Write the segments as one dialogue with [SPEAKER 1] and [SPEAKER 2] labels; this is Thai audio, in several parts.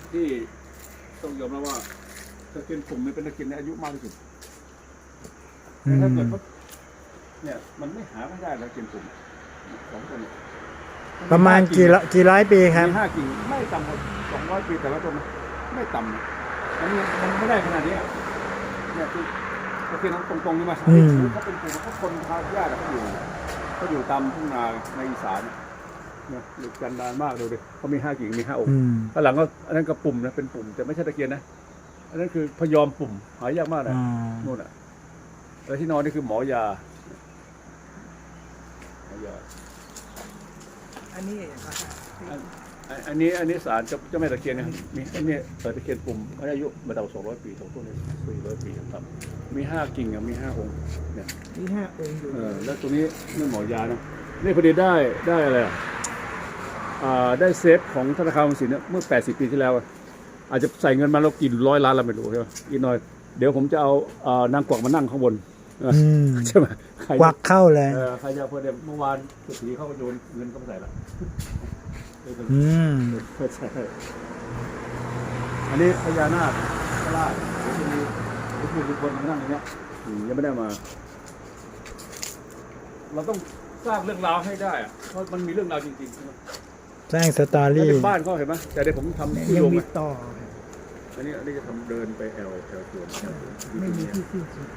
[SPEAKER 1] ที่ต้องยอมรับว่าตะเคียนปุ่มเป็นตะเคียนในอายุมากที่สุดถ้าเกิดว่าเนี่ยมันไม่หาไม่ได้ตะเคียนปุ่ม2 ต้น
[SPEAKER 2] ประมาณกี่ร้อยปีครับ
[SPEAKER 1] มี5 กิ่งไม่ต่ำกว่า200 ปีแต่ละต้นไม่ต่ำมันไม่ได้ขนาดนี้เนี่ยคือตะเคียนตรงๆนี่มาเขาเป็นปุ่มเขาคนทางญาติเขาอยู่ตามทุ่งนาในอีสานเนี่ยอยู่กันนานมากดูดิเขามี5 กิ่งมี5 องค์ข้างหลังก็อันนั้นก็ปุ่มนะเป็นปุ่มแต่ไม่ใช่ตะเคียนนะอันนั้นคือพยอมปุ่มหายากมากนะนู่นอ่ะแล้วที่นอนนี่คือหมอยา
[SPEAKER 3] อัน
[SPEAKER 1] นี้ศาลเจ้าแม่ตะเคียนนะครับมีอันนี้ตะเคียนปุ่มอายุมาเท่า200 ปี2 ต้นนี้400 ปีครับมี5 กิ่งมี5 องค์เนี่ย
[SPEAKER 3] มี5 องค์อยู่
[SPEAKER 1] แล้วตัวนี้นี่หมอยานะนี่พอดีได้อะไรได้เซฟของธนาคารออมสินเนี่ยเมื่อ80 ปีที่แล้วอาจจะใส่เงินมาแล้วกี่100 ล้านเราไม่รู้ใช่ไหมอีกหน่อยเดี๋ยวผมจะเอานางกวักมานั่งข้างบนใช่ไหม
[SPEAKER 2] กวักเข้าเลย
[SPEAKER 1] ใครจะพอเดี๋ยวเมื่อวานสุธีเข้าโยนเงินเข้าไปใส่ละอันนี้พญานาคพระราชมีคนมานั่งอย่างเงี้ยยังไม่ได้มาเราต้องสร้างเรื่องราวให้ได้เพราะมันมีเรื่องราวจริงๆ
[SPEAKER 2] สร้างสตอรี่
[SPEAKER 1] บ้านเขาเห็นไหมแต่เดี๋ยวผมทำที่
[SPEAKER 3] ยั
[SPEAKER 1] ลง
[SPEAKER 3] มีต่อ
[SPEAKER 1] อันนี้จะทำเดินไปแอลสวน
[SPEAKER 3] ไม่มีที่สิ้นสุด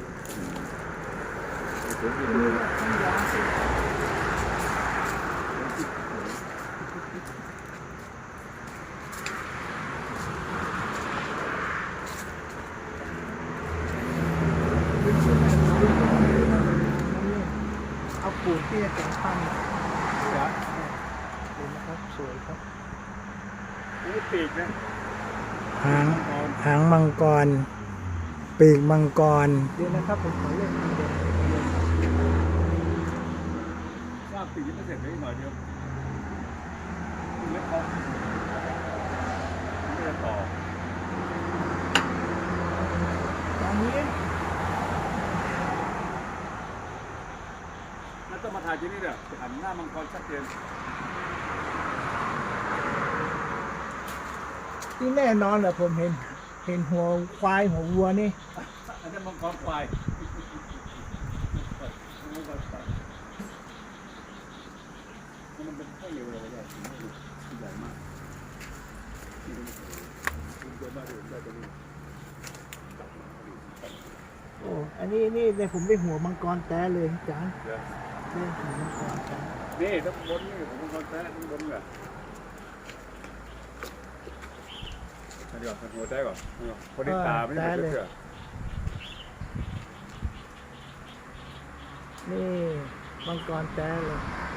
[SPEAKER 3] เอาปูนที่จะแต่งปั้นดูนะครับสวยครับ
[SPEAKER 1] นี่ปีกนะ
[SPEAKER 2] หางมังกรปีกมังกร
[SPEAKER 3] เดี๋ยวนะครับผมขอเล่นเดี๋ยว
[SPEAKER 1] สร้างปีกไม่เสร็จเลยหน่อยเดียวเล็กพอไม่จะต่อ
[SPEAKER 3] ตอนนี้
[SPEAKER 1] นั่นต้องมาถ่ายที่นี่เนี่ยหันหน้ามังกรชัดเจน
[SPEAKER 3] ที่แน่นอนแหละผมเห็นหัวควายหัววัวนี่
[SPEAKER 1] อันนี้มังกรควายมันเป็นแค่เร็วเลยใหญ่มาก
[SPEAKER 3] โอ้อันนี้เลยผมได้หัวมังกรแต้เลยจ้านี่หัวมังกรแต้
[SPEAKER 1] นี่ทั้งบนนี่หัวมังกรแต้ทั้งบนเลยเดี๋ยวหัวใจก่อนคนที่ตาไม่ได้เชื่อ
[SPEAKER 3] นี่มังกรแต้เลย